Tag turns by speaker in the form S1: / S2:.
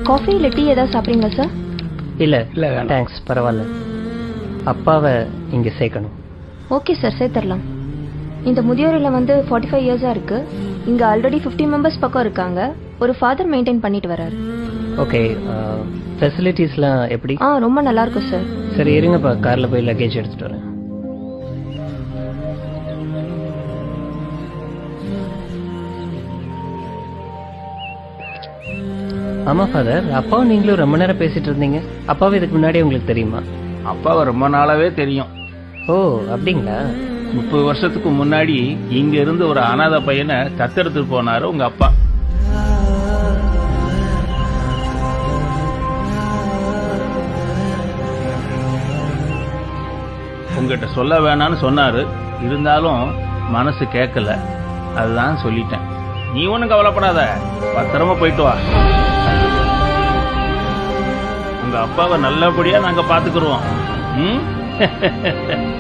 S1: Coffee இல்லை tea ஏதாவது சாப்பிட்றீங்களா சார்?
S2: இல்லை
S3: இல்லை வேண்டாம்.
S2: தேங்க்ஸ், பரவாயில்ல. அப்பாவை இங்கே சேர்க்கணும்.
S1: ஓகே சார், சேர்த்துடலாம். இந்த முதியோர் இல்லம் வந்து 45 இயர்ஸாக இருக்கு. இங்கே ஆல்ரெடி 50 மெம்பர்ஸ் பக்கம் இருக்காங்க. ஒரு ஃபாதர் மெயின்டைன் பண்ணிட்டு வராரு.
S2: ஓகே, ஃபெசிலிட்டிஸ்லாம் எப்படி?
S1: ரொம்ப நல்லா இருக்கும் சார்.
S2: சரி இருங்கப்பா, காரில் போய் லக்கேஜ் எடுத்துகிட்டு வரேன். ஆமாம் ஃபாதர், அப்பாவும் நீங்களும் ரொம்ப நேரம் பேசிட்டு இருந்தீங்க. அப்பாவும் இதுக்கு முன்னாடி உங்களுக்கு தெரியுமா?
S3: அப்பாவை ரொம்ப நாளாவே தெரியும்.
S2: ஓ அப்படிங்களா?
S3: 30 வருஷத்துக்கு முன்னாடி இங்க இருந்து ஒரு அனாதை பையனை தத்தெடுத்துட்டு போனாரு உங்க அப்பா. உங்ககிட்ட சொல்ல வேணான்னு சொன்னாரு, இருந்தாலும் மனசு கேட்கல, அதுதான் சொல்லிட்டேன். நீ ஒண்ணும் கவலைப்படாத, பத்திரமா போயிட்டு வா. உங்க அப்பாவை நல்லபடியா நாங்க பாத்துக்கிறோம்.